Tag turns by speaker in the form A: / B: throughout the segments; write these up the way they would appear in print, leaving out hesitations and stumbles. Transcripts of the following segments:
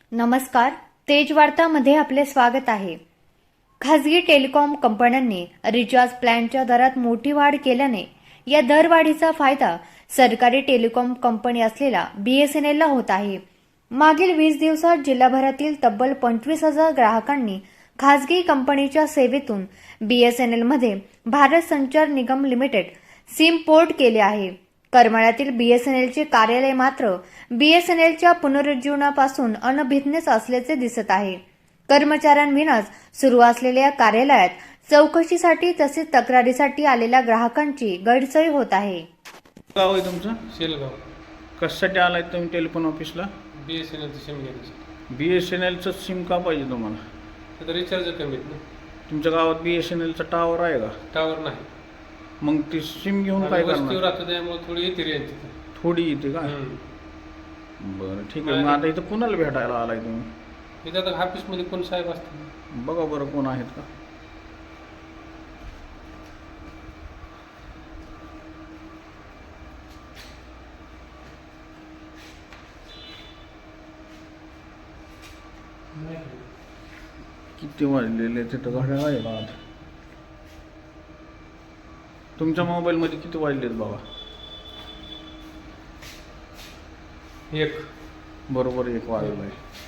A: नमस्कार, तेज वार्तामध्ये आपले स्वागत आहे. खासगी टेलिकॉम कंपन्यांनी रिचार्ज प्लॅनच्या दरात मोठी वाढ केल्याने या दरवाढीचा फायदा सरकारी टेलिकॉम कंपनी असलेल्या BSNLला होत आहे. मागील 20 दिवसात जिल्हाभरातील तब्बल 25,000 ग्राहकांनी खासगी कंपनीच्या सेवेतून BSNLमध्ये भारत संचार निगम लिमिटेड सिम पोर्ट केले आहे. करमाळ्यातील BSNLचे कार्यालय मात्र BSNLच्या पुनरुज्जीवनापासून अनभिज्ञच असल्याचे दिसत आहे. कर्मचाऱ्यांविनाच सुरू असलेल्या कार्यालयात चौकशीसाठी तसेच तक्रारीसाठी आलेल्या ग्राहकांची गैरसोय होत आहे.
B: गाव आहे तुमचं?
C: शेलगाव.
B: कशासाठी आलाय तुम्ही टेलिफोन ऑफिसला?
C: BSNLचं सिम घेण्यासाठी.
B: BSNLचं सिम का पाहिजे तुम्हाला?
C: आता रिचार्ज कमी आहेत ना.
B: तुमच्या गावात BSNLचा टावर आहे का?
C: टावर नाही.
B: मग ती सिम घेऊन काय
C: आम्ही वस्तीवर
B: करणार?
C: राहतो त्यामुळे थोडी येते रेंज तिथे.
B: थोडी येते का? बरं ठीक आहे. मग आता इथं कुणाला भेटायला आलाय तुम्ही?
C: इथं आता ऑफिसमध्ये कोण साहेब असतात?
B: बघा बरं कोण आहेत का? किती वाजलेले तिथं घड्याळ आहे का? तुमच्या मोबाईलमध्ये किती वाजलेत बघा.
C: एक.
B: बरोबर 1 वाजलाय.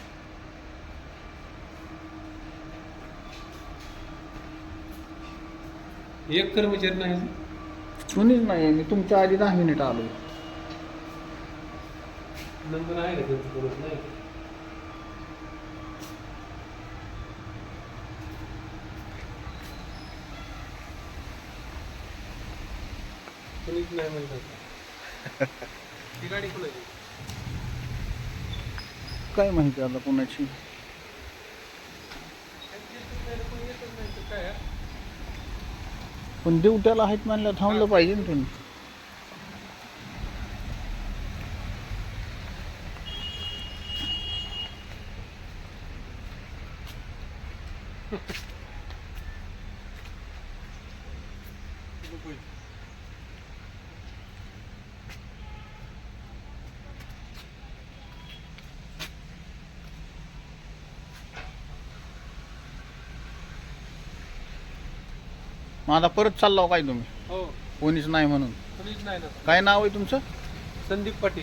C: एक कर्मचारी नाही.
B: कोणीच नाही. मी तुमच्या आधी 10 मिनिट आलो.
C: नंबर आहे का त्यांचं कोणच नाही. कोणीच नाही म्हणतात. ती गाडी कोणाची?
B: काय माहिती आता कोणाची?
C: काय
B: पण ड्युट्याला आहेत म्हणलं थांबलं पाहिजे ना तुम्ही. मग आता परत चाललो काय तुम्ही?
C: हो.
B: कोणीच नाही म्हणून.
C: कोणीच नाही ना.
B: काय नाव आहे तुमचं?
C: संदीप पाटील.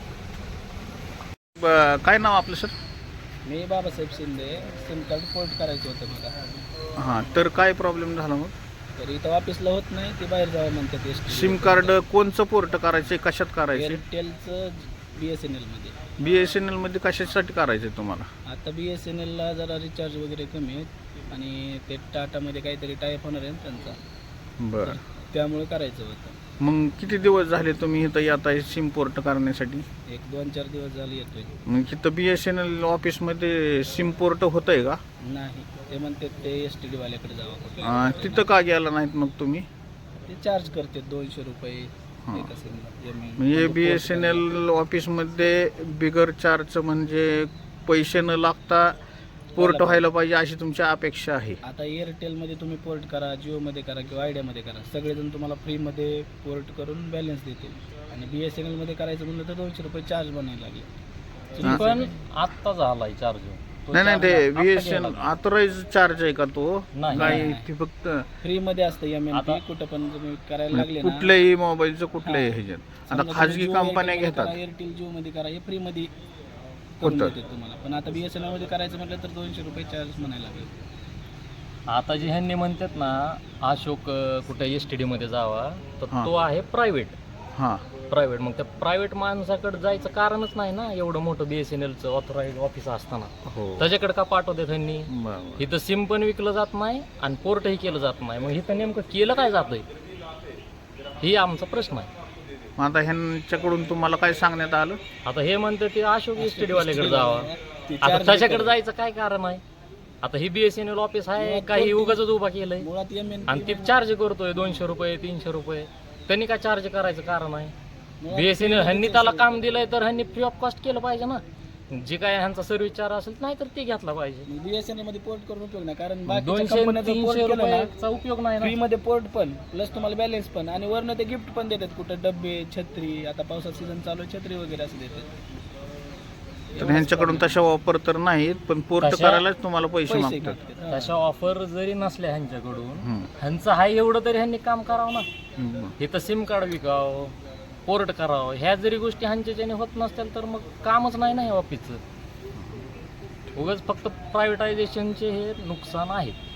B: काय नाव आपलं सर?
D: मी Babasaheb Shinde. SIM card port करायचं होतं मला.
B: हां, तर काय प्रॉब्लेम झाला मग?
D: तर इथं ऑफिसला होत नाही, ते बाहेर जावं म्हणतात.
B: सिम कार्ड कोणचं पोर्ट करायचं? कशात करायचं?
D: एअरटेलचं BSNL मध्ये.
B: BSNL मध्ये कशासाठी करायचं तुम्हाला?
D: आता BSNLला जरा रिचार्ज वगैरे कमी आहेत आणि ते टाटामध्ये काहीतरी टायप होणार आहे ना त्यांचा,
B: बरं.
D: त्यामुळे करायचं होतं.
B: मग किती दिवस झाले तुम्ही इथं येत आहे सिम पोर्ट करण्यासाठी?
D: एक 2-4 दिवस झाले येतोय.
B: मग इथं BSNL ऑफिसमध्ये सिम पोर्ट होत आहे का?
D: नाही, ते म्हणतात ते STD वाल्याकडे जावं कुठे.
B: तिथं का गेला नाहीत मग तुम्ही?
D: ते चार्ज करते 200 रुपये
B: हां.
D: एका सिमला.
B: म्हणजे BSNL ऑफिसमध्ये बिगर चार्ज म्हणजे पैसे न लागता पोर्ट व्हायला पाहिजे अशी तुमची अपेक्षा आहे.
D: आता एअरटेलमध्ये तुम्ही पोर्ट करा, जिओमध्ये करा किंवा आयडियामध्ये करा, सगळेजण तुम्हाला फ्रीमध्ये पोर्ट करून बॅलन्स देतील. आणि BSNLमध्ये करायचं म्हणलं तर 200 रुपये चार्ज बनायला लागले.
E: पण आत्ता झालाय चार्ज.
B: नाही ते BSNL ऑथराइज चार्ज आहे का तो? नाही, ते फक्त
D: फ्रीमध्ये असतं MNP. कुठं पण तुम्ही करायला लागले ना,
B: कुठल्याही मोबाईलचं कुठल्याही ह्याच्यात. आता
D: समजा
B: खाजगी
D: तुम्ही
B: कंपन्या
D: जिओ
B: घेतात.
D: करा, एअरटेल जिओमध्ये करा, हे फ्रीमध्ये करून
B: होतं.
D: देतात तुम्हाला. पण आता BSNL मध्ये करायचं म्हटलं तर 200 रुपये चार्ज म्हणायला लागले.
E: आता जे ह्यांनी म्हणतात ना अशोक कुठे STD मध्ये जावा, तर
B: हां.
E: तो आहे प्रायव्हेट.
B: हां,
E: मग त्या प्रायव्हेट माणसाकडे जायचं कारणच नाही ना. एवढं मोठं BSNLचं ऑथराइज ऑफिस असताना
B: हो.
E: त्याच्याकडे का पाठवते त्यांनी?
B: बरोबर.
E: इथं सिम पण विकलं जात नाही आणि पोर्टही केलं जात नाही. मग इथं नेमकं केलं काय जातंय, ही आमचा प्रश्न आहे.
B: मग आता ह्यांच्याकडून तुम्हाला काय सांगण्यात आलं?
E: आता हे म्हणतं ते अशोक STD वाल्याकडे जावा.
D: ते
E: आता
D: charge
E: त्याच्याकडे
D: देतात.
E: जायचं काय कारण आहे? आता ही BSNL ऑफिस आहे काही उगाच उभा केलंय
D: मुळात MNP
E: आणि ते चार्ज करतोय 200 रुपये 300 रुपये. त्यांनी काय चार्ज करायचं कारण आहे? BSNL ह्यांनी त्याला काम दिलंय तर ह्यांनी फ्री ऑफ कॉस्ट केलं पाहिजे ना. जे काय ह्यांचा सर्व्हिस चार्ज असेल नाही तर ते घेतला पाहिजे.
D: BSNL मध्ये पोर्ट करून उपयोग नाही, कारण बाकीच्या
E: 200-300
D: कंपन्या केलं ना
E: रुपयाचा उपयोग नाही
D: फ्री
E: ना.
D: मध्ये पोर्ट पण प्लस तुम्हाला बॅलन्स पण, आणि वरनं ते गिफ्ट पण देतात. कुठं डब्बे, छत्री, आता पावसाचा सीझन चालू आहे, छत्री वगैरे असं देतात.
B: तर ह्यांच्याकडून तशा ऑफर तर नाहीत, पण पोर्ट
E: तशा-
B: करायलाच तुम्हाला पैसे
D: पैसे
B: मागतात.
D: घेतात.
E: तशा ऑफर जरी नसल्या ह्यांच्याकडून,
B: हम्म.
E: ह्यांचं आहे एवढं तरी ह्यांनी काम करावं ना.
B: हम्म.
E: इथं सिम कार्ड विकावं, पोर्ट करावं, ह्या जरी गोष्टी ह्यांच्याच्याने होत नसतील तर मग कामच नाही ना हे ऑफिसचं. उगाच फक्त प्रायव्हेटायझेशनचे हे नुकसान आहेत.